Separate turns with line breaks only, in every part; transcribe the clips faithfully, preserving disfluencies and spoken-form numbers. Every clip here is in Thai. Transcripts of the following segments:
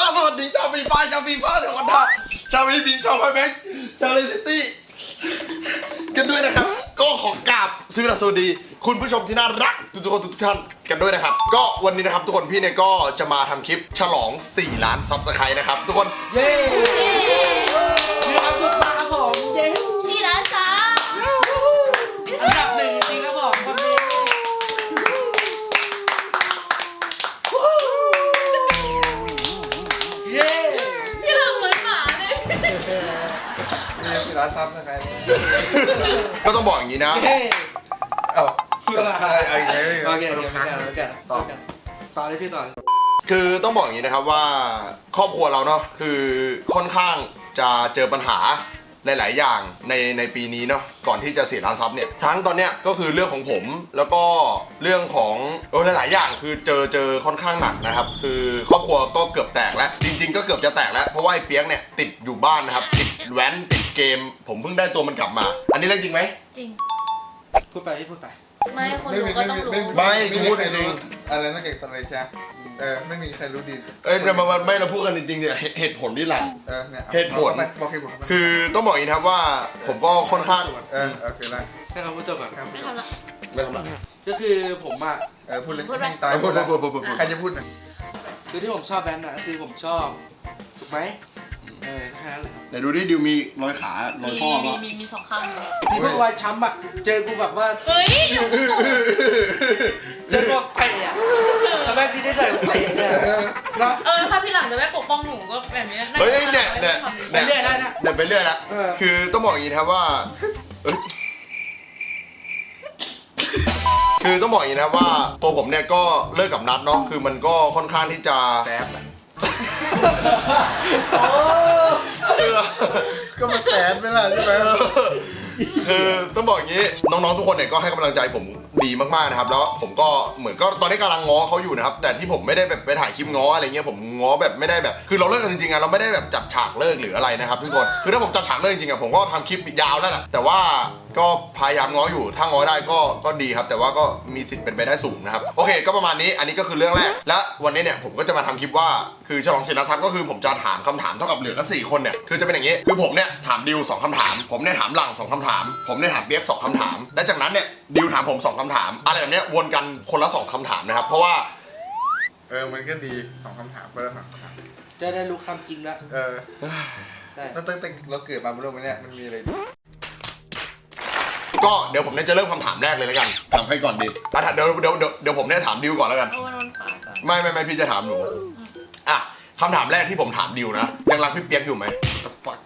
สวัสดีชาวฟีฟ่าชาวฟีฟ่าชาววันดาชาววีบิงชาวไฟแบงค์ชาวเลสซิตี้กันด้วยนะครับก็ขอกราบสวัสดีคุณผู้ชมที่น่ารักทุกคนทุกท่านกันด้วยนะครับก็วันนี้นะครับทุกคนพี่เนี่ยก็จะมาทำคลิปฉลองสี่ล้านซับสไครต์นะครับทุกคน
เย้มีความสุขมากครับผมเย้
สี่ล้านซับ
อันดับหนึ่งจริงครับผมคนนี้เย้
พี่เราเหมือนหมาเลย
นี่สี่ล้านซับนะครับ
ก็ต้องบอกอย่างนี้นะ
เอ้า
อะไรอะไร
โอเค
โอ
โอ
เค
เค
โอเคโอเคต่อต่อเลยพี่ต่อ
คือต้องบอกอย่างนี้นะครับว่าครอบครัวเราเนาะคือค่อนข้างจะเจอปัญหาหลายๆอย่างในในปีนี้เนาะก่อนที่จะเสียล้านซับเนี่ยทั้งตอนเนี้ยก็คือเรื่องของผมแล้วก็เรื่องของโอ้หลายๆอย่างคือเจอเจอค่อนข้างหนักนะครับคือครอบครัวก็เกือบแตกแล้วจริงๆก็เกือบจะแตกแล้วเพราะว่าไอ้เปียกเนี่ยติดอยู่บ้านนะครับติดแว้นติดเกมผมเพิ่งได้ตัวมันกลับมา อันนี้เรื่องจริงไหม
จริง
พูดไปพี่พูดไป
ไม่คนรู้ก็ต้องรู้
ไม่
พูดจริงอะไรนะเก่งสันเลยใช่เออไม่มีใครรู้ดี
เอ้ยมาไม่เราพูดกันจริงๆเนี่ยเหตุผลที่หลัง
เออเนี่ย
เหตุผล
บอกเหตุผล
คือต้องบอกอย่างนี้ครับว่าผมก็ค่อนข้าง
เออโอเคได้
ให้เขาพูดจบก่อน
ไม่ทำละ
ไม่ทำไร
ก็คือผมอ่ะ
เออพูดเลย
ตายพูดพูดพูดพูด
ใครจะพูดนะ
คือที่ผมชอบแบนด์นะคือผมชอบถูกไหมเออแค่นั้นแหละ
ไหนดูดิดิวมีรอยขารอยข้อ
มี
ป่ะ
มีมีสองข้างเลย
พี่พวกรอยช้ำอ่ะเจอกูแบบว่า
เฮ้ย
เจอแบบเตะอ่ะทำไมพี่ได้เตะเตะเนี่ยเนาะ
เออถ้าพี่หลังจะไม่ปกป้องหนูก็แบบนี้
เฮ้ยเนี่ยเนี่ย
ไปเรื่อยได้นะ
เดี๋ยวไปเรื่อยละคือต้องบอกอย่างนี้นะครับว่าคือต้องบอกอย่างนี้นะครับว่าตัวผมเนี่ยก็เลิกกับนัทเนาะคือมันก็ค่อนข้างที่จะ
แซบก็มาแสนไปละใช่ไหม
คือต้องบอกอย่างนี้น้องๆทุกคนเนี่ยก็ให้กำลังใจผมดีมากๆนะครับแล้วผมก็เหมือนก็ตอนนี้กำลังง้อเขาอยู่นะครับแต่ที่ผมไม่ได้แบบไปถ่ายคลิปง้ออะไรเงี้ยผมง้อแบบไม่ได้แบบคือเราเลิกกันจริงๆอะเราไม่ได้แบบจัดฉากเลิกหรืออะไรนะครับทุกคนคือถ้าผมจัดฉากเลิกจริงๆอะผมก็ทำคลิปยาวแล้วแหละแต่ว่าก็พยายามง้ออยู่ถ้าง้อได้ก็ก็ดีครับแต่ว่าก็มีสิทธิ์เป็นไปได้สูงนะครับโอเคก็ประมาณนี้อันนี้ก็คือเรื่องแรกและวันนี้เนี่ยผมก็จะมาทำคลิปว่าคือฉลองศิลป์ทรัพย์ก็คือผมจะถามคำถามเท่ากับเหลือกันสี่คนเนี่ยคือจะเป็นอย่างนี้คือผมเนี่ยถามดิวสองคำถามผมเนี่ยถามหลังสองคำถามผมเนี่ยถามเปียกสองคำถามและจากนั้นเนี่ยดิวถามผมสองคำถามอะไรแบบนี้วนกันคนละสองคำถามนะครับเพราะว่า
เออมันก็ดีสองคำถามไปแล้วครับ
จะได้รู้คำจริงแล้ว
เออตั้งแต่เราเกิดมาบนโลกนี้มันมีอะไร
ก็เดี๋ยวผมเนี่ยจะเริ่มคำถามแรกเลยแล้วกันถามใครก่อนดีอ่ะเดี๋ยวเดี๋ยวเดี๋ยวเดี๋ยวผมเนี่ยถามดิวก่อนแล้วกันไม่ไม่ไม่พี่จะถามหนูอ่ะคำถามแรกที่ผมถามดิวนะยังรักพี่เปียกอยู่ไหม
The fuck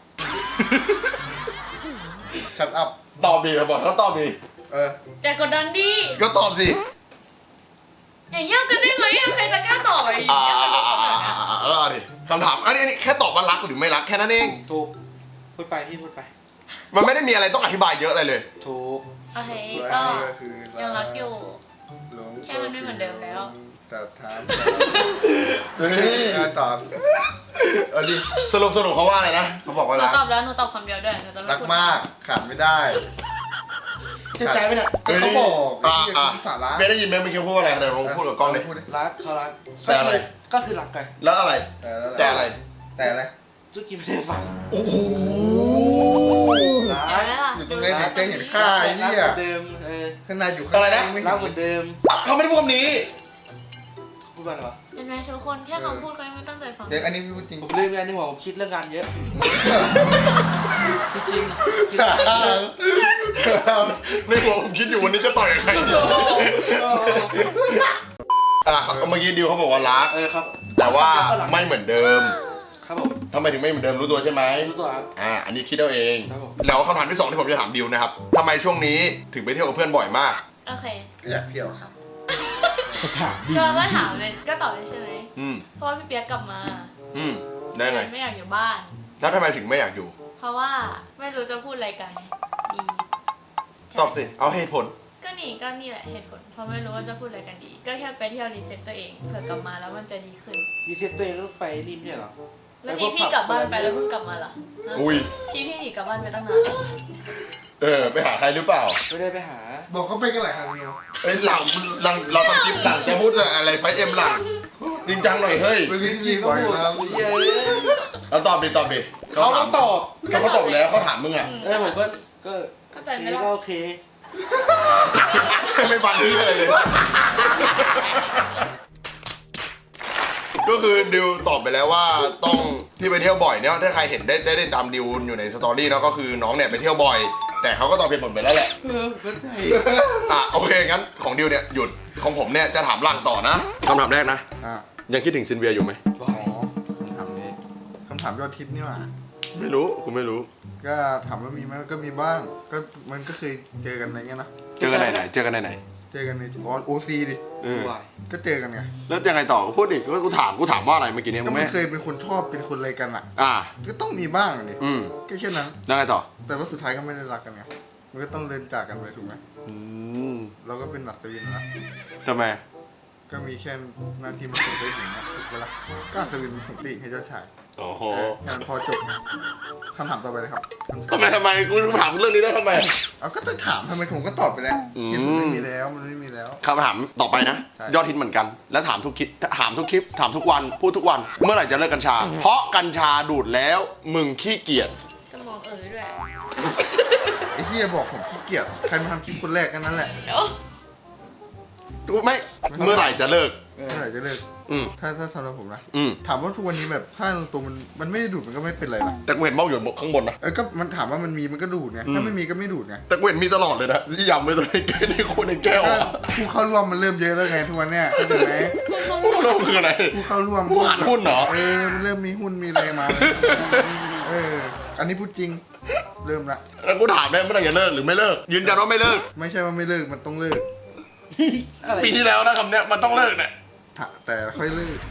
ชัดอัพ
ตอบดีครับบอกเขาตอบดี
เออ
แต่กดดันดิ
ก็ตอบสิ
อย่างเงี้ยกันได้ไหมใครจะกล้าตอบอะไรอย่าง
อ่า
เงี้ย
อ่าอ่าอ่าเออดิคำถามอันนี้แค่ตอบว่ารักหรือไม่รักแค่นั้นเอง
ถูกพูดไปพี่พูดไป
มันไม่ได้มีอะไรต้องอธิบายเยอะอะไรเลย
ถูก
โอเคก็ยังรักอยู่แค่มันไม่เหมือนเดิมแล้ว
แต่ถามตอบเอาดิ
สรุปสรุปเขาว่าอะไรนะ
เขาบอกว่า
หนู
รัก
ตอบแล้วหนูตอบคำเดียวด้วยหนูจะไม่
รักมากขาดไม่ได้
เจ็บใจไหมเนี่ย
เขาบอก
อ่าอ่าไม่ได้ยินไหมเมื่อกี้พูดอะไรเดี๋ยวลองพูดกับกล้องเลย
รักเขารัก
แต่อะไร
ก็คือรักกัน
แล้วอะไรแต่อะไร
แต่อะไร
ทุกทีไม่ได้ฟัง
โอ้โห
รักอยู่ตรงนี้ใจเห็นค่าไอ้เนี่ย
เดิมเออ
ข้างในอยู่ข้างใน
ไม่รักเหมือนเดิม
เขาไม่ได้พูดคำนี้
พูดว่าอะไรวะ
เห็นไหมทุกคนแค่คำพูดก็ไม่ตั้งใจฟัง
เด็กอันนี้พูดจริง
ผมลืมไงในหัวผมคิดเรื่องงานเยอะจริงจริง
ในหัวผมคิดอยู่วันนี้จะต่อยใครอ่ะเมื่อกี้ดิวเขาบอกว่ารัก
เออครับ
แต่ว่าไม่เหมือนเดิม
ครับผม
ทำไมถึงไม่เหมือนเดิมรู้ตัวใช่ไหม
รู้ตัวครับ
อ่าอันนี้คิดเอาเองแล้วคำถามที่สองที่ผมจะถามดิวนะครับทำไมช่วงนี้ถึงไปเที่ยวกับเพื่อนบ่อยมาก
โอเค
อยากเที่ยวครับ
ก็ก็ถามเลยก็ตอบเลยใช่ไหม
อืม
เพราะว่าพี่เปียกกลับมา
อืมได้ไง
ไม่อยากอยู่บ้าน
แล้วทำไมถึงไม่อยากอยู่
เพราะว่าไม่รู้จะพูดอะไรกันดี
ตอบสิเอาเหตุผล
ก็นี่ก็นี่แหละเหตุผลเพราะไม่รู้ว่าจะพูดอะไรกันดีก็แค่ไปเที่ยวรีเซ็ตตัวเองเผื่อกลับมาแล้วมันจะดีขึ้น
รีเซ็ตตัวเองก็ไปรีบเนี่ยหรอ
แล้วที่พี่กลับบ้านไปแล้วเพิ่งกลับมาเหรอ
อุ้ย
ที่พี่หนีกลับบ้านไปตั้งนาน
เออไปหาใครหรือเปล่า
ไม่ได้ไปหา
บอกเขาไปกันหลายครั้ง
เอ้ยหลังหลังเราทำคลิปหลังจะพูดอะไรไฟเอ็มหลังจริงจังหน่อยเฮ้ย
ไปลิ้นจีบ่อยครับ
เยอะ
เอาตอบดิตอบดิ
เขาต้องตอบ
เขาก็ตอบแล้วเขาถามมึงอ่ะ
เออผมก็ก็
เข้าใจ
ที
ไหม
นี้
ล่ะ
ก็โอเค
ไม่ฟังที่เลยเลย ก็คือดิวตอบไปแล้วว่าต้องที่ไปเที่ยวบ่อยเนี่ยถ้าใครเห็นได้ได้ได้ตามดิวอยู่ในสตอรี่แล้วก็คือน้องเนี่ยไปเที่ยวบ่อย แต่เขาก็ตอบเหตุผลไปแล้วแหละ
เออเข้าใจ
อ่ะโอเคงั้นของดิวเนี่ยหยุดของผมเนี่ยจะถามหลังต่อนะคำถามแรกนะ
อ่ะ
ยังคิดถึงซินเวียอยู่ไหม
อ๋อคำถามนี้คำถามยอดทิพย์นี่หว่า
ไม่รู้คุณไม่รู้
ก็ถามว่ามีไหมก็มีบ้าง ก็มันก็เคยเจอกันอะไรเงี้ยนะ
เจอกันไหนไหนเจอกันไหนไหน
เจอกันในออนโอซีดิ
เออ
วาย
ก็เจอกันไง
แล้วยังไงต่อพูดดิก็กูถามกูถามว่าอะไรเมื่อกี้เนี่ย
ก็
มึง
ไม่
ไม่
เคยเป็นคนชอบเป็นคนอะไรกันอ่ะ
อ่า
ก็ต้องมีบ้างนี่
อืม
ก็แค่นั้น
ยังไงต่อ
แต่ว่าสุดท้ายก็ไม่ได้รักกันไง มันก็ต้องเดินจากกันไปถูกไหม
อืม
เราก็เป็นหนักตวินนะ
ทำไม
ก็มีแค่หน้าที่มาส่งไปถึงนะถูกปะล่ะก็อัศวินส่งปีกให้เจ้าชาย
โอ้โห
เออแค่นั้นพอจบคำถามต่อไปเลยครับ
ทำไมทำไมกูถามเรื่องนี้ได้ทำไม
เอาก็จะถามทำไมผมก็ตอบไปแล้ว
อืม
เหตุผลไม่มีแล้วมันไม่มีแล้ว
คำถามต่อไปนะ
ใช่
ยอดฮิตเหมือนกัน แล้วถามทุกคลิปถามทุกคลิป ถามทุกวัน พูดทุกวัน เมื่อไหร่จะเลิกกัญชา เพราะกัญชาดูดแล้ว มึงขี้เกียจ
สมองเอ๋อด้วย
ไอ้ที่บอกผมขี้เกียจใครมาทำคลิปคนแรกกันนั้นแหละ
เดี๋ยว
กูไม่ เมื่อไหร่จะเลิก
เออ
เมื่อไหร่จะเลิก
อืม
ถ้าถ้าสำหรับผมนะ
อืม
ถามว่าทุกวันนี้แบบถ้าตัวมันมันไม่ได้ดูดมันก็ไม่เป็นไรนะ
แต่กูเห็นเบ้าอยู่ข้างบนนะ
เออก็มันถามว่ามันมีมันก็ดูดไง
อืม
ถ้าไม่มีก็ไม่ดูดไง
แต่กูเห็นมีตลอดเลยนะที่ยำไปตรงในแก้วในคนในแก้ว
ถ้า
อ่ะ
ผู้เข้าร่วมมันเริ่มเยอะแล้วไงทุกวันเนี้ยเข้าใจไหม
พวกเราคืออะไร
ผู้เข้าร่วม
ผู้หันหุ้นเหรอ
เออมันเริ่มมีหุ้นมีอะไรมาเอออันนี้พูดจริง เริ่มละ
แล้วกูถามได้เมื่อไหร่จะเลิกหรือไม่เลิก ยืนยันว่าไม่เลิก
ไม่ใช่ว่าไม่เลิกมันต้องเลิก
อะไร
ปีที่แล้วนะคำเนี้ยมันต้องเลิกเนี่ย
ถ้าแต่ค่อยเลิก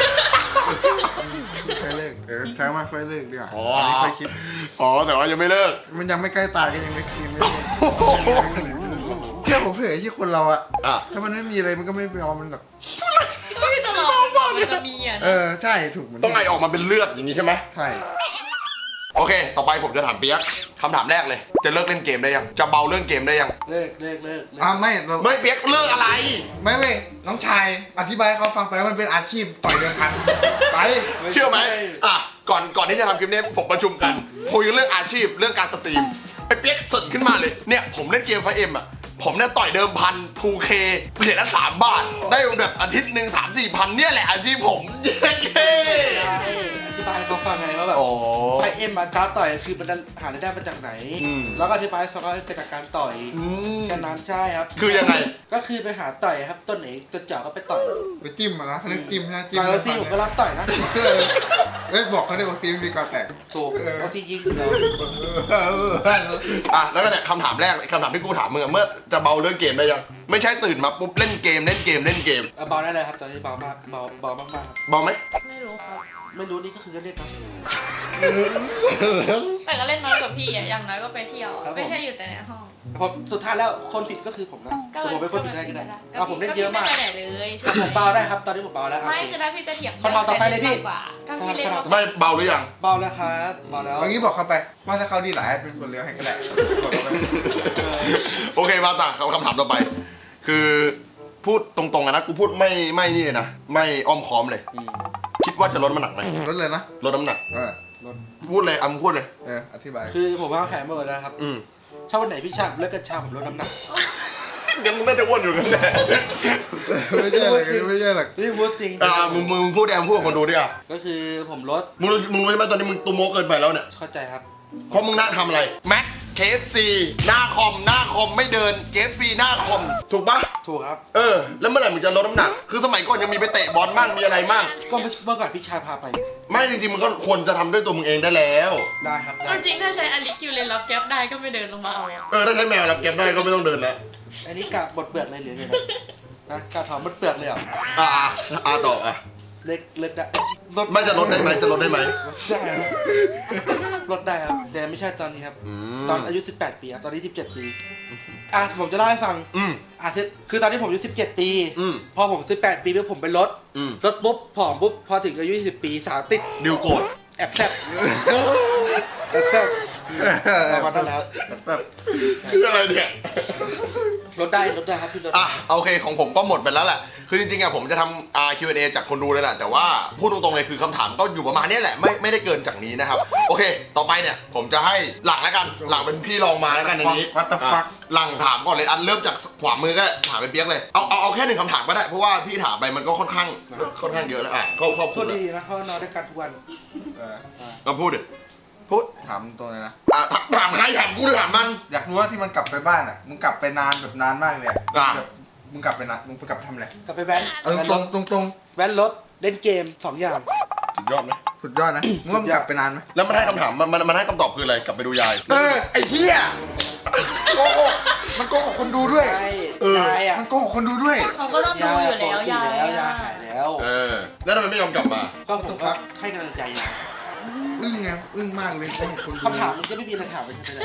ค่อยเลิกเออใช้ว่าค่อยเลิกดีกว่า
อ๋อ
อันนี้ค่อยคิด
อ๋อแต่ว่ายังไม่เลิก
มันยังไม่ใกล้ตายก็ยังไม่คิดไม่เลิกเชื่อผมเถอะที่คนเราอะ
อ่ะ
ถ้ามันไม่มีอะไรมันก็ไม่ยอมมันหรอก
ก็ไม่ตลอดก่อนมันจะมีอ่ะ
เออใช่ถูกเหมือน
ต้องไอออกมาเป็นเลือดอย่างนี้ใช่ไหม
ใช่
โอเค ต่อไปผมจะถามเปียกคำถามแรกเลย จะเลิกเล่นเกมได้ยัง จะเบาเรื่องเกมได้ยัง
เลิกเลิกเลิกเลิก
อ่าไม่เรา
ไม่เปียกเลิกอะไร
ไม่เว้ยน้องชายอธิบายให้เขาฟังไปว่ามันเป็นอาชีพต่อยเดิมพันไป
เชื่อไหมอ่ะ ก่อนก่อนที่จะทำคลิปนี้ผมประชุมกันคุยเรื่องอาชีพเรื่องการสตรีมไอ้เปียกสดขึ้นมาเลย เนี่ยผมเล่นเกมไฟเอ็มอ่ะ ผมเนี่ยต่อยเดิมพัน ทูเค เหรียญละสามบาท ได้แบบอาทิตย์หนึ่งสามสี่พันเนี่ยแหละอาชีพผมเย้เย้
อธิบายให้เขาฟังไงว่าแบบ
อ๋อ
ไฟเอ็มมาการต่อยคือมันหารายได้มาจากไหน
อืม
แล้วก็อธิบายให้ฟังว่าเป็นจากการต่อย
อืม
แค่นั้นใช่ครับ
คือยังไง
ก็คือไปหาต่อยครับต้นไหนตัวเจาะก็ไปต่อย
ไปจิ้มอะนะเขาเรียกจิ้มนะจิ้ม
ต่อยโอซีผมก็รับต่อยนะ
เออเอ้ยบอกเขาได้โอซีมีก่อนแตก
ถูก
เออ
โอซียิงอยู่แล้ว
เออเออเออ
อ่ะแล้วก็เนี่ยคำถามแรกคำถามที่กูถามมึงอะเมื่อจะเบาเรื่องเกมได้ยัง ไม่ใช่ตื่นมาปุ๊บเล่นเกมเล่นเกมเล่นเกม
เอาเบาได้เลยครับตอนนี้เบามากเบาเบามากๆครับ
เบาไหม
ไม่รู้ครับ
ไม่รู้นี่ก็คือก็เล่นนะ
แต่ก็เล่นน้อยกว่าพี่อ่ะ อย่างน้อยก็ไปเที่ยว
ครับผม
ไม่ใช่อยู่แต่ในห้อง
ผมสุดท้ายแล้วคนผิดก็คือผมนะแต่ผมเป็นคนผิดได้ก็ได้เอาผมเล่นเยอะมาก
ก็พี่ไม่ไปไหนเลย
แต่ผมเบาได้ครับตอนนี้ผมเบาแล้วครับ
ไม่คือถ้าพี่จะเถียง
คำถามต่อไปเลยพี่
มากกว่าก็พี่เล่นมากกว่า
ไม่เบาหรือยัง
เบาแล้วครับเบาแล้ว
เอางี้บอกเขาไปว่าถ้าเขาดีหลายเป็นคนเลี้ยวให้ก็ได้บอกเขาไป
โอเคมาต่างคำถามต่อไป คือพูดตรงๆอะนะกูพูดไม่ไม่นี่เลยนะไม่อ้อมค้อมเลย
อืม
คิดว่าจะลดน้ำหนักไหม
รถเลยนะ
ลดน้ำหนัก
เออ
รถ
พูดเลยอำพูดเลย
เอออธิบาย
คือผมว่าแผนมาหมดแล้วนะครับ
อืม
ถ้าวันไหนพี่ชาเลิกกัญชาผมลดน้ำหนัก
เดี๋ยวมึงน่าจะอ้วนอยู่กันแหละ
ไม่ใช่หรอกไม่ใช่หรอก
นี่พูดจริง
อ่ามึงมึงมึงพูดแอมพูดกับคนดูดิอ่ะ
ก็คือผมลด
มึงรู้มึงรู้ไหมตอนนี้มึงตัวโมเกินไปแล้วเนี่ย
เข้าใจครับ
เพราะมึงนั่งทำอะไรแม็กเคฟซีหน้าคอมหน้าคอมไม่เดินเคฟซีหน้าคอมถูกปะ
ถูกครับ
เออแล้วเมื่อไหร่มึงจะลดน้ำหนัก คือสมัยก่อนยังมีไปเตะบอลมั่งมีอะไรมั่ง
ก็เมื่อก่อนพี่ชายพาไป
ไม่จริงๆมันก็ควรจะทำด้วยตัวมึงเองได้แล้ว
ได้ครับได้
เอาจริงถ้าใช้อลิคิวเลนรับแก๊ปได้ก็ไม่เดินลงมาเอาอะ
เออถ้าใช้แมวรับเก็บได้ก็ไม่ต้องเดินแล้ว
อันนี้กะบดเปลือกเลยเหรือไงนะนะกะถอนบดเปลือกเลยเหรอ
อ่าอ่าอ่าต่ออ่ะ
เล็กเล็กได้
ไม่จะลดได้ไหมจะลดได้ไหม
ลดได้ครับลดได้ครับแต่ไม่ใช่ตอนนี้ครับ
อืม
ตอนอายุสิบแปดปีครับตอนนี้สิบเจ็ดปีอ่ะผมจะเล่าให้ฟัง
อืม
อ่ะคือคือตอนนี้ผมอายุสิบเจ็ดปี
อืม
พอผมสิบแปดปีปุ๊บผมไปลด
อืม
ลดปุ๊บผอมปุ๊บพอถึงอายุยี่สิบปีสาวติด
ดิวโกรธ
แอบแซ่บแอบแซ่บประมาณนั้นแล้ว
แบบ
คืออะไรเนี่ย
ลดได้ลดได้ครับพี่ลด
อ่ะโอเคของผมก็หมดไปแล้วแหละคือจริงๆอะผมจะทำอ่า คิว แอนด์ เอ จากคนดูเลยแหละแต่ว่าพูดตรงๆเลยคือคำถามก็อยู่ประมาณนี้แหละไม่ไม่ได้เกินจากนี้นะครับโอเคต่อไปเนี่ยผมจะให้หลังแล้วกันหลังเป็นพี่ลองมาแล้วกันในนี้
What the fuck
อ่ะหลังถามก่อนเลยอันเริ่มจากขวามือก็ได้ถามไปเปียกเลยเอาเอาเอาแค่หนึ่งคำถามก็ได้เพราะว่าพี่ถามไปมันก็ค่อนข้างค่อนข้างเยอะแล้วอ่ะเขาเขา
โท
พูด
ษ
เลย
ดีนะเพราะว่านอนด้วยกันทุกวัน
เออ
ก็พูดดิพูด
ถามตรงเลยนะ
อ่ะถามถามใครถามกูหรือถามมัน
อยากรู้ว่าที่มันกลับไปบ้านอ่ะมึงกลับไปนานแบบนานมากเลยอะ
อ่ะ
แบบมึงกลับไปนานมึงไปกลับไปทำอะไร
กลับไปแว้น
เอาตรงตรงตรง
แว้นรถเล่นเกมสองอย่าง
สุดยอดไหม
สุดยอดนะมึงว่ามึงกลับไปนานไหม
แล้วมันให้คำถามมันมันมันให้คำตอบคืออะไรกลับไปดูยาย
เออไอ้เหี้ยโกหกมันโกหกคนดูด้วย
ใช่
เออ
ยายอ่ะ
มันโกหกคนดูด้วย
เขาก็ต้องดูอยู่แล้วยาย
แล้วยา
อะ
ยหายแล้ว
เออแล้วทำไมไม่ยอมกลับมา
ก็ผมก็ให้กำลังใจยาย
อึ้งไงอึ้งมากเลยโกหกคนดู
คำถามมันก็ไม่มีอะไรถามไปใช่ไหม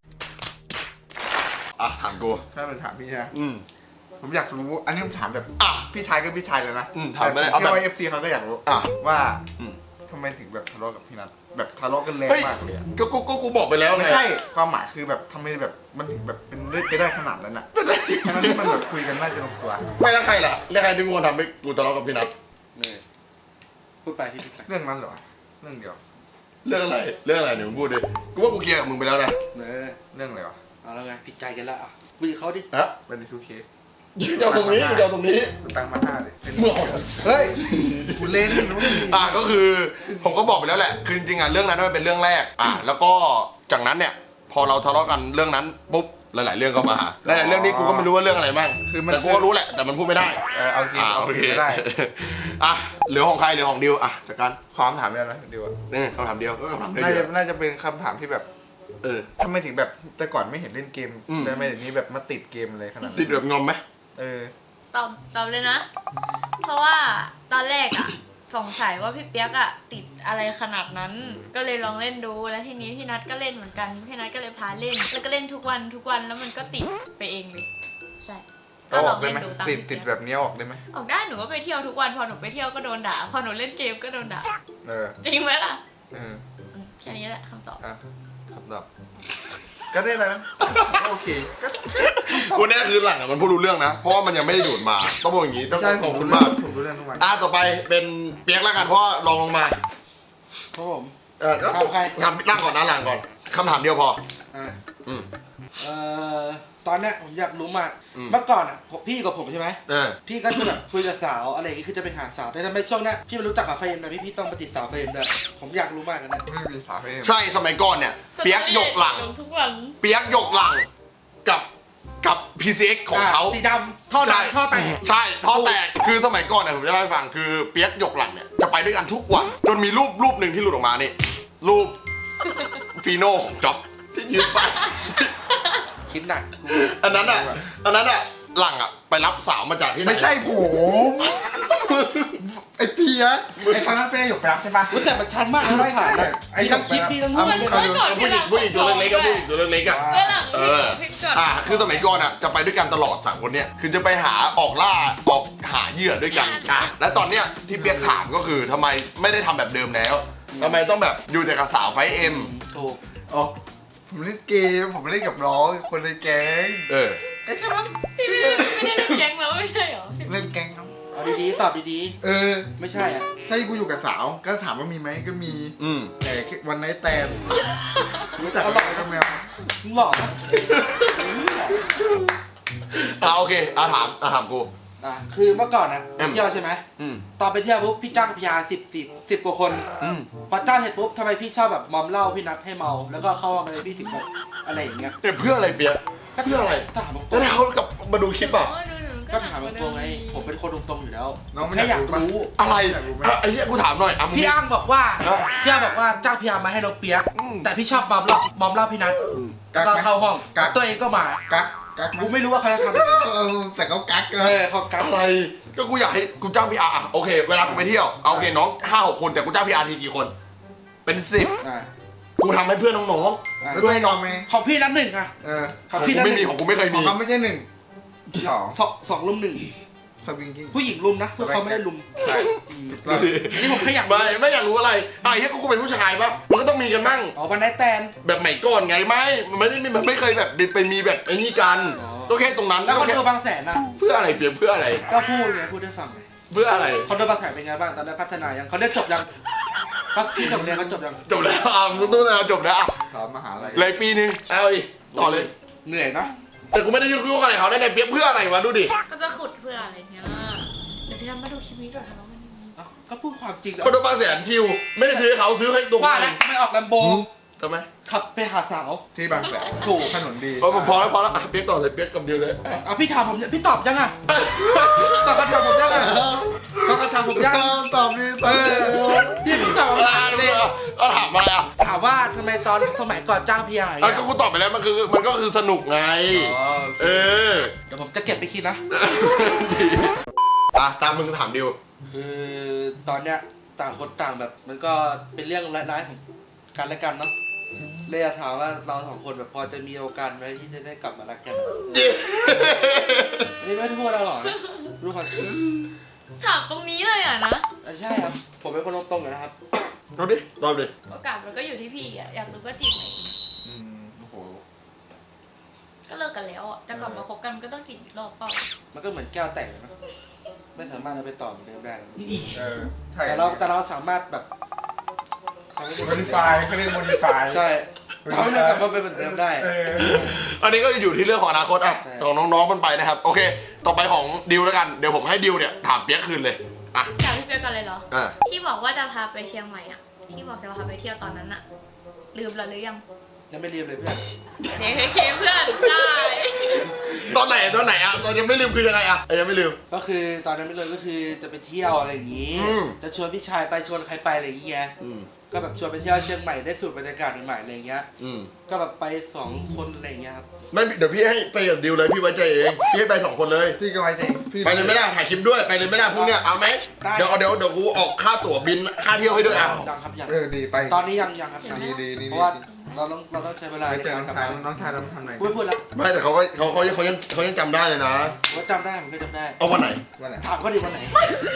อ่ะถามกู
ถ้าเป็นถามพี่ใช่ไหม
อืม
ผมอยากรู้อันนี้ผมถามแบบ
อ่ะ
พี่ชายก็พี่ชายเลยนะ
อืมถามไม่ได้
เอา
เอาแบบ
แบบเอฟซีเขาก็อยากรู้
อ่ะ
ว่า
อืม
ทำไมถึงแบบทะเลาะกับพี่นัทแบบทะเลาะกันแรง
เฮ้ย
มากเลยอะ
ก็ก็ก็กูบอกไปแล้วไง
ไม่ใช่ความหมายคือแบบทำไมแบบมันถึงแบบเป็นเรื่องไปได้ขนาดนั้นอ่ะทั้งที่มันแบบคุยกันน่าจะลงตัว
ไม่แล้วใครล่ะแล้วใครที่กูทำให้กูทะเลาะกับพี่นัท
เลยพูดไปพี่พูดไป
เรื่องนั้นเหรอเรื่องเดียว
เรื่องอะไรเรื่องอะไรเดี๋ยวมึงพูดดิกูว่ากูเคลียร์กับมึงไปแล้วนะ
เออ
เรื่องอะไรวะ
เอาแล้วไงผิดใจกันแล้วอ่ะคุยกับเขาดิ
ฮะ
เป็นทูเค
เจ้าตรงนี้เจ้าตรงนี้
ตังค์มาห้าเลย
เมื่อ
เฮ้ยกูเล่นรู้ดิ
อ่ะก็คือผมก็บอกไปแล้วแหละคือจริงๆอ่ะเรื่องนั้นมันเป็นเรื่องแรกอ่ะแล้วก็จากนั้นเนี่ย พอเราทะเลาะกันเรื่องนั้นปุ๊บหลายๆเรื่องก็มาหลายๆเรื่องนี้กูก็ไม่รู้ว่าเรื่องอะไรบ้าง
คือมัน
แต่กูก็รู้แหละแต่มันพูดไม่ได้
เออเอาโอเค
อ่า
เอา
โอเค
ไม่ได้
อ่ะเหลือของใครเหลือของดิวอ่ะจากการ
ขอคำถามเดียวนะเดียวอะ
นี่คำถามเดียวก็คำถามเดียว
น่าจะน่าจะเป็นคำถามที่แบบ
เออ
ทำไมถึงแบบแต่ก่อนไม่เห็นเล่นเกม
อืม
แต่ทำไมเดี๋ยวนี้แบบมาติดเกมอะไรขนาดนั้น
ติดแบบงอมไหม
เออ
ตอบตอบเลยนะ เพราะว่าตอนแรกอะสงสัยว่าพี่เปียกอะติดอะไรขนาดนั้น ก็เลยลองเล่นดูแล้วทีนี้พี่นัทก็เล่นเหมือนกันพี่นัทก็เลยพาเล่น แล้วก็เล่นทุกวันทุกวันแล้วมันก็ติดไปเองเลยใช่ ก็
เอา
ล
อ
อ
อก
ง
ได้
เล่น
ไหม
ดูตาม
ติด
พี่
ติด
เปียก
แบบนี้เอาออกได้ไหม
ออกได้หนูก็ไปเที่ยวทุกวันพอหนูไปเที่ยวก็โดนด่าพอหนูเล่นเกมก็โดนด่า
เออ
จริงไหมล่ะ
เออ
อืมแค่นี้แหละคำตอบ
อ่ะคำตอบก็ได้แล้วนะก็โอเคก็
วันนี้คือหลังอ่ะมันพูดรู้เรื่องนะ เพราะว่ามันยังไม่ได้ดูดมาต้องบอกอย่างนี้ต้อง
ใช่
ข
ผ
อบ
ม
คุ
รู้
ณ
เรื่
มา
อก งผมรู้เรื่องทุกวัน
อ่ะต่อไปเป็นเปียกแล้วกันเพราะว่าลองลงมา
ครับผม
เออก็
เอาใคร
ทำนั่งก่อนนะหลังก่อนคำถามเดียวพอ
อ่า
อืม
เอ่อตอนเนี้ยผมอยากรู้มาก
อืม
เมื่อก่อนอ่ะผมพี่กับผมใช่ไหม
เออ
พี่ก็จะแบบคุยกับสาวอะไรอย่างงี้คือจะไปหาสาวแต่ทำไมช่วงเนี้ยพี่มารู้จักกับเฟรมนะพี่พี่ต้องมาติดสาวเฟรมด้วยผมอยากรู้มากเลยนะ
ไม่มีสาเหตุ
ใช่สมัยก่อนเนี่ยเปียกหยกหลัง
ลงทุกวัน
เปียกหยกหลังกับกับ พี ซี เอ็กซ์ ของเขา
สีดำท่อ
ใช่
ดำท่อแตก
ใช่ท่อแตกคือสมัยก่อนเนี่ยผมจะเล่าให้ฟังคือเปียกหยกหลังเนี่ยจะไปด้วยกันทุกวันจนมีรูปรูปหนึ่งที่หลุดออกมานี่รูปฟีโน่ของจ๊อบที่ยืนไป
คิดหนัก
อันนั้นอ่ะอันนั้นอ่ะหลังอ่ะไปรับสาวมาจากที่ไหน
ไม่ใช่ผมไอ้เปียกไอ้ครั้งนั้นเป็นไอ้หยกไปรับใช่ปะ
อุ๊ยแต่มันชันมากนะต้องผ่านนะ
ไอ้
มีทั้งคลิปพี่ทั้งรูป
เอา
เลย
เอา
นะ
ก่อน
ผู้หญิงผู้หญิงตัวเล็กๆก็ผู้หญิงตัวเล็กๆอ่ะ
เมื่อหลัง
เอ
พี่
อ
พี่ก่อน
อ่ะคือสมัยก่อนอ่ะจะไปด้วยกันตลอดสามคนเนี่ยคือจะไปหาออกล่าออกหาเหยื่อด้วยกันอ่ะและตอนเนี้ยที่เปียกถามก็คือทำไมไม่ได้ทำแบบเดิมแล้วทำไมต้องแบบอยู่แต่กับสาวไฟเอ็ม
ถูก
อ๋อผมเล่นเกมผมเล่นกับน้องคนในแก๊ง
เออ
แค่แค่นั้น
พี่ไม่ได้ไม่ได้เล่นแก๊งแล้วไม่ใช่เหรอ
เล่นแก๊งครับ
เอาดีๆตอบดี
เออ
ๆไม่ใช่อ่ะ
ถ้ากูอยู่กับสาวก็ถามว่ามีไหมก็มี
อืม
แต่วันไหนแตนรู้จักอะไรก็แมว
มึงหล่อนะ
อ่ะโอเคอ่ะถามอ่ะถามกู
อ่ะคือเมื่อก่อนอ่ะ
อืม
เที่ยวใช่ไหม
อืม
ตอนไปเที่ยวปุ๊บพี่จ้างพยาสิบสิบสิบกว่าคน
อืม
พอจ้างเสร็จปุ๊บทำไมพี่ชอบแบบมอมเหล้าพี่นัดให้เมา แล้วก็เข้ามาเลยพี่ถึงแบบอะไรอย่างเงี้ย
เนี่ยเพื่ออะไรเปียกเพื่ออะไร
ถามตร
แล้ว
ง
ถ้าเขากลับมาดูคลิปอ่ะ
อ๋อดูหนู
ๆก็ถามตรงๆไงผมเป็นคนตรงๆอยู่แล้ว
น้องไม่
แค่อยาก
ปะ
รู้
อะไร
อยากรู้ไหม
อ่ะไอ้เหี้ยกูถามหน่อยอ่ะมึง
พี่อ้างบอกว่า
เอ้า
พี่อ้างบอกว่าจ้างพี่อาร์มาให้เราเปียก
อืม
แต่พี่ชอบมอมเหล้ามอมเหล้าพี่นัท
กั
แล้ว
ก
ก็
ไหม
เข้าห้อง
กัก
ตัวเองก็มา
กักกักไหม
กูไม่รู้ว่าเขาจะทำอะไร
เออแต่เขากัก
เอ
นะ
อเขากัก
อะไรก็กูอยากให้กูจ้างพีอาร์อ่ะโอเค เวลากูไปเที่ยวเอาโอเคน้องห้าหกคนแต่กูจ้างพีอาร์ทีกี่คน เป็นสิบ
อ่า
กูทำให้เพื่อนน้อง
อ่า
แล้วตัวให้น้องไหม
ของพี่นัดหนึ่งอ่ะ
เออ
ๆ
ข
ข
อ
อง ง
พี่
กู
นัดห
ไม่
นึ่
มี
ง
ของกูไม่เคย
ขอ
มี
งเขาไม่ใช่หนึ่งสอง
สองสองลุมหนึ่ง
สวิงกิ้ง
ผู้หญิงลุมนะพวกเขาไม่ได้ลุม
ใช่
อืมอันนี้ผมแค่อยาก
ไม่ไม่อยากรู้อะไรอ่ะไอ้เหี้ยกูเป็นผู้ชายปะมันก็ต้องมีกันบ้าง
อ๋อวันไนท์แตน
แบบใหม่ก่อนไงไม่มันไม่ได้มีมันไม่เคยแบบไปมีแบบไอ้นี่กัน
อ๋อ
ก็แค่ตรงนั้น
แล้วคอน
ก็
โด
ค่
บางแสนนะ
เพื่ออะไรเพียงเพื่ออะไร
ก็พูดไงพูดได้ฟังไง
เพื่ออะไร
คอนโดบางแสนเป็นไงบ้างตอนนี้พัฒนายังเขาเรียนจบยังพัฒพี่จบเรียนเขาจบยัง
จบแล้วอ่ะมึงต้องแล้วจบแล้วอ่ะ
สอบมหาลัย
เลยปีนึงเอาอีกต่อเลย
เหนื่อยนะ
แต่กูไม่ได้ยุ่งอะไรเขาได้แต่เปียกเพื่ออะไรวะดูดิ
ก็จะขุดเพื่ออะไรเนี่ยเดี๋ยวพี่ทำมาดูคลิปนี้ด้วยทะเลาะกัน
เอ้าก็พูดความจริงแล้ว
คอนโดบางแสนชิวไม่ได้ซื้อให้เขาซื้อให้ตัว
ว่า
เอ
แล้ว
ง
ไม่ออกแลมโบ
ทำไม
ขับไปหาสาว
ที่บางแสน
ถูก
ถนนดี
พอพอแล้วพอแล้วอ่ะเปียกต่อเลยเปียกกับเดียวเลย
เอาพี่ถามผมเนี่ยพี่ตอบยังอ่ะตอบคำถามผมยังอ่ะตอบคำถามผมยัง
ก็ตอบดีตอบดี
พี่พี่ตอบคำถามเลย
ก็ถามอะไรอ่ะ
ถามว่าทำไมตอนสมัยก่อนจ้างพี่ใหญ่
อันก็กูตอบไปแล้วมันคือมันก็คือสนุกไง เออ
เดี๋ยวผมจะเก็บไปคิดนะ
อ่ะตามมึงถามดิว
คือตอนเนี้ยต่างคนต่างแบบมันก็เป็นเรื่องร้ายๆของกันและกันเนาะเลยอยากถามว่าเราสองคนแบบพอจะมีโอกาสไหมที่จะได้กลับมารักกันอันนี้ไม่ได้พูดเราหรอกนะรู้ความจริง
ถามตรงนี้เลยอ่ะนะ
อ่ะใช่ครับผมเป็นคนตรงๆเลยนะครับ
เอาดิตอบดิ
โอกาสมันก็อยู่ที่พี่อ่ะอยากรู้ก็จีบไหน
อืมโอ้โห
ก็เลิกกันแล้วอ่ะจะกลับมาคบกันก็ต้องจีบอีกรอบเปล่า
มันก็เหมือนแก้วแตกเลยนะไม่สามารถเอาไปต่อเหมือนเดิมได้นะ
เออใช่
แต่เราแต่เราสามารถแบบทำให้
โมดิฟายเขาเรียกโมดิฟาย
ใช่ทำให้มันกลับมาเป็นเหมือนเดิมได้
เออ
อันนี้ก็อยู่ที่เรื่องของอนาคตอ่ะ
ใช่
ของน้องๆมันไปนะครับ โอเค ต่อไปของดิวแล้วกัน เดี๋ยวผมให้ดิวเนี่ยถามเปียกคืนเลย อ่ะ
ถามพี่เปียกกันเลยเหรอ
อ่ะ
ที่บอกว่าจะพาไปเชียงใหม่อ่ะที่บอกจะพาไปเที่ยวตอนนั้นอ่ะลืมแล้วหรือยัง
ยังไม่เรียนเลยเพื่อน
เด็กเคเพื่อนได้
ตอนไหนตอนไหนอ่ะตอนยังไม่ลืมคือยังไงอ่ะเอ้ยยังไม่ลืม
ก็คือตอนนั้นไม่เลยก็คือจะไปเที่ยวอะไรอย่างนี้
อืม
จะชวนพี่ชายไปชวนใครไปอะไรอย่างเงี้ย
อืม
ก็แบบชวนไปเที่ยวเชียงใหม่ได้สูตรบรรยากาศใหม่ๆอะไรอย่างเงี้ย
อืม
ก็แบบไปสองคนอะไรอย่างเงี้ยครับ
ไม่เดี๋ยวพี่ให้ไปกับดิวเลยพี่ไว้ใจเองพี่ให้ไปสองคนเลย
พี่ก็ไว้ใจพี่
ไปเลยไม่ได้ถ่ายคลิปด้วยไปเลยไม่ได้พรุ่งเนี้ยเอาไหม
ได้
เดี๋ยวเดี๋ยวเดี๋ยวกูออกค่าตั๋วบินค่าเที่ยวให้ด้วยอ่ะ
ยังครับยัง
เออดีไป
ตอนนี้ยังยังครับยัง
ดีดีดี
เพราะว่าเราต้องเราต้องใช้เวลา
ไป
ใน
เจอ
การ
น้อง
กลับ
ชาย
มา
น้องชายเราทำไหน
พูดพูดแล้ว
ไม่แต่เขาก็เขาเขาเขายังเขายังจำได้เลยนะ
ว่าจำได้ผมก็จำได้
เอาวันไหน
วันไหน
ถามเขาดิวันไหน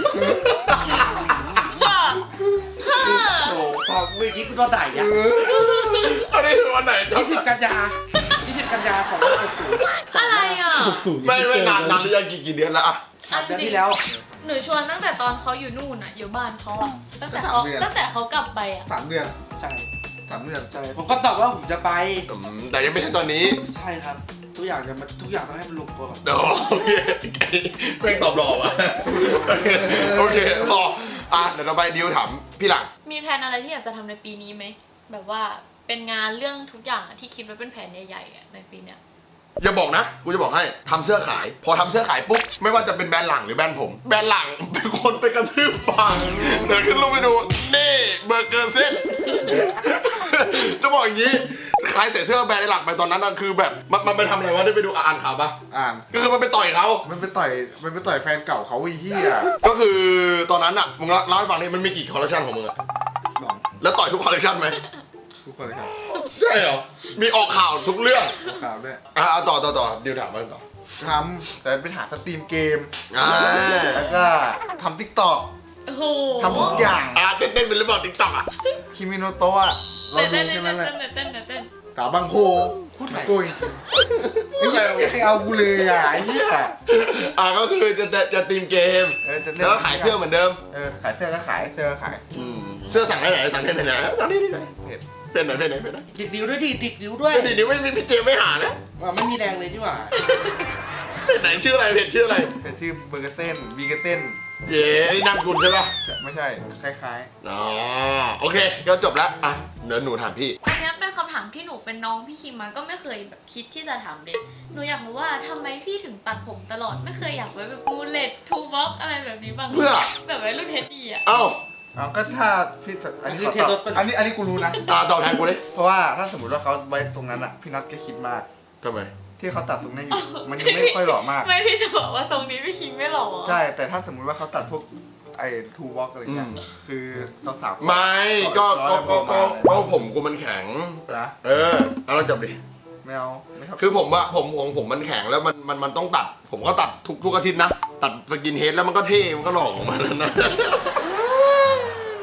ว่า
โอ้โหพอเมื่อกี้กูโดนด่าอีก
เอ
อ่ะ
อ
อันนี้คือวันไหน
ยี่สิบกันยายี่สิบกันยาของหกศูนย์
อะไรอ่ะ
ไม่ไม่นานนานหรือยังกี่กี่เดือนแล้วอ่ะ
สามเดือนที่แล้ว
หนูชวนตั้งแต่ตอนเขาอยู่นู่นอ่ะอยู่บ้านเขาอ่ะตั้งแต่เขาตั้งแต่เขากลับไปอ่ะ
สามเดือน
ใช่
สามเดือน
ใช่ผมก็ตอบว่าผมจะไป
อืมแต่ยังไม่ใช่ตอนนี้
ใช่ครับ ทุกอย่างจะมาทุกอย่างต้องให้มันลงตัวก่อน
เดี๋ยวโอเคเพ่งตอบหล่อว่ะโอเคโอเครออ่ะเดี๋ยวเราไปดิวถามพี่หลัง
มีแผนอะไรที่อยากจะทำในปีนี้ไหมแบบว่าเป็นงานเรื่องทุกอย่างอะที่คิดไว้เป็นแผนใหญ่ๆอะในปีเนี้ย
อย่าบอกนะกูจะบอกให้ทำเสื้อขาย พอทำเสื้อขายปุ๊บไม่ว่าจะเป็นแบรนด์หลังหรือแบรนด์ผมแบรนด์หลังเป็นคนไปกระทืบปังเดี๋ยวขึ้นรูปไปดูนี่เบอร์เกอร์เส้น จะบอกอย่างนี้ขายเสียเสื้อแบรนด์หลังไปตอนนั้นน่ะคือแบบมันมันไปทำอะไรวะได้ไปดูอ่านข่าวปะ
อ่าน
ก็คือมันไปต่อยเขา
มันไปต่อยมันไปต่อยแฟนเก่าเขาอีเหี้ย
ก็คือตอนนั้นอ่ะมึงเล่าให้ฟังนี่มันมีกี่คอลเลคชันของมึงอะ
สอง
แล้วต่อยทุกคอลเลคชันไหม
ทุกคนเลยครับ
ใช่เหรอมีออกข่าวทุกเรื่อง
ข่าวด้วย
อ่ะเอาต่อต่อต่อเดี๋ยวถามมาต่อ
ทำแต่ไปหาสตรีมเกม
อ่า
แล้วก็ทำทิกตอก
โอ้โห
ทำทุกอย่าง
อ่ะเต้นเต้นเป็นหรือเปล่าติ๊กต็อกอ่ะ
คิมิโนโตะเรา
เต้น
ดู
เต้น
แค่นั้นแหละ
เต้นเต้นเต้นเต้น
สาวบางโพโกยไอ้เหี้ยไม่ใครเอากูเลยอ่ะไอ้เหี้ย
อ่ะก็คือจะจะจะตีมเกม
เออจะเล่น
แล้วก็ขายเสื้อเหมือนเดิม
เออขายเสื้อก็ขายเสื้อก็ขาย
เสื้อสั่งได้ไหนสั่งได้ไหนสั่งได้ที่ไหน
เพจ
เป็นไหนเป็นไหนเป็นไหน
ดิกนิ้วด้วยดิดิกนิ้วด้วย
ดีนี้ไม่มีพี่เจมไม่หานะ
ว่าไม่มีแรงเลยที่หว่า
เป็นไหนชื่ออะไรเพจชื่ออะไร
เป็นชื่อเบอร์เกอร์เซ่นบีเกอร์เซ่น
เย้นี่นามกุลใช่ปะ
จะไม่ใช่คล้าย
อ๋อโอเคก็จบแล้วอ่ะเดี๋ยวหนูถามพี่
อันเนี้ยเป็นคำถามที่หนูเป็นน้องพี่คิมมาก็ไม่เคยแบบคิดที่จะถามเลยหนูอยากรู้ว่าทำไมพี่ถึงตัดผมตลอดไม่เคยอยากไว้แบบมูเลตทูบ็อกอะไรแบบนี้บ้าง
เพื่อ
แบบไว้รุ่นเทดดี้อ่ะ
เอ้า
ๆเอาก็ถ้าพี่อันนี้ขอตอบอันนี้อันนี้กูรู้นะ
อ่าตอบแทนกูเลย
เพราะว่าถ้าสมมติว่าเขาไว้ตรงนั้นอ่ะพี่นัทก็คิดมาก
ทำไม
ที่เขาตัดตรงนี้อยู่มันยังไม่ค่อยหล่อมาก
ไม่พี่จะบอกว่าทรงนี้พี่คิมไม่หล่อ
ใช่ แต่ถ้าสมมุติว่าเขาตัดพวกไอ้ทูวอล์กอะไรเงี้ย
อืม
คือสาวๆ
ไม่ก็ก็ก็ก็ก็ผมกูมันแข็ง
นะ
เออเอาเราจบดิ
ไม่เอาไม่ครับ
คือผมว่าผมผมผมมันแข็งแล้วมันมันมันต้องตัด ผมก็ตัดทุกทุกอาทิตย์นะ ตัดสกินเฮดแล้วมันก็เท่ มันก็หล่อของมันแล้วนะ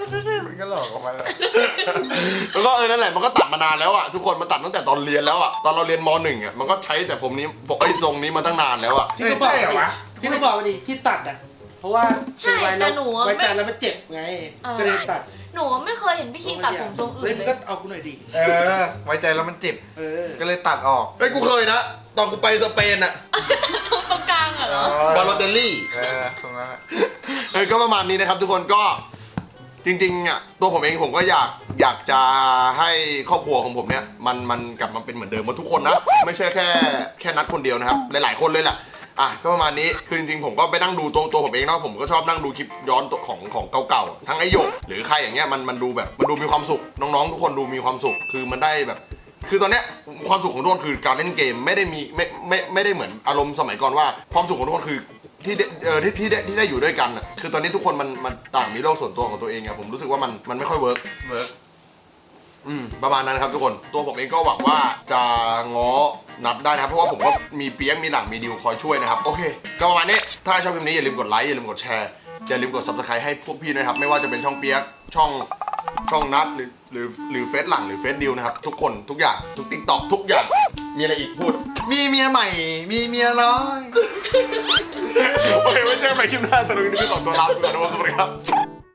มันก็หลอกออกมาแล้ว
แล้วก็เออนั่นแหละมันก็ตัดมานานแล้วอ่ะทุกคนมันตัดตั้งแต่ตอนเรียนแล้วอ่ะตอนเราเรียนมหนึ่งอ่ะมันก็ใช้แต่ผมนี้บอกไอ้ทรงนี้มาตั้งนานแล้วอ่ะ
พี่ก็บอกดิพี่ก็บอกไปดิที่ตัดอ่ะเพราะว่า
ใช่
ไว้
แต่หนูอะ
ไว้
ไม่
ใจแล้วมันเจ็บไง
อะไร
ก็เลยตัด
หนูไม่เคยเห็นพี่คิงตัดผมทรงอื่
เฮ้ย
น
มึ
เล
งก็
ย
เอากูหน่อยดิ
เออ ไว้ใจแล้วมันเจ็บ
เออ
ก็เลยตัดออก
ไอ้ยกูเคยนะตอนกูไปสเปนอ่ะ
ทรงตรงกลางอะเหรอ
บาโลเตลลี่
เออตรงนั้นแหละ
เออก็ประมาณนี้นะครับทุกคนก็จริงๆอ่ะตัวผมเองผมก็อยากอยากจะให้ครอบครัวของผมเนี่ยมันมันกลับมาเป็นเหมือนเดิมหมดทุกคนนะไม่ใช่แค่แค่นัดคนเดียวนะครับหลายๆคนเลยแหละอ่ะก็ประมาณนี้คือจริงๆผมก็ไปนั่งดูตัวตัวผมเองเนาะผมก็ชอบนั่งดูคลิปย้อนตัวของของเก่าๆทั้งไอหยกหรือใครอย่างเงี้ยมันมันดูแบบมันดูมีความสุขน้องๆทุกคนดูมีความสุขคือมันได้แบบ คือตอนเนี้ยความสุขของทุกคนคือการเล่นเกมไม่ได้มีไม่ไม่ไม่ได้เหมือนอารมณ์สมัยก่อนว่าความสุขของทุกคนคือที่ได้เออที่ที่ได้ที่ได้อยู่ด้วยกันอ่ะคือตอนนี้ทุกคนมันมันต่างมีโลกส่วนตัวของตัวเองอะผมรู้สึกว่ามันมันไม่ค่อยเวิร์ก
เวิร์ก
อืมประมาณนั้นนะครับทุกคนตัวผมเองก็หวังว่าจะง้อนัดได้นะครับเพราะว่าผมก็มีเปียกมีหลังมีดิวคอยช่วยนะครับโอเคก็ประมาณนี้ถ้าชอบคลิปนี้อย่าลืมกดไลค์อย่าลืมกดแชร์อย่าลืมกด ซับสไครบ์ ให้พวกพี่ด้วยนะครับไม่ว่าจะเป็นช่องเปียกช่องช่องนัดหรือหรือหรือเฟซหลังหรือเฟซดิวนะครับทุกคนทุกอย่างทุกติ๊กต็อกทุกอย่างมีอะไรอีกพูด
มีเมียใหม่ มีเมียน้อย
โอเคไว้เจอกันใหม่คลิปหน้าสนุกดีพี่ขอตัวลาไปก่อนนะครับสวัสดีครับ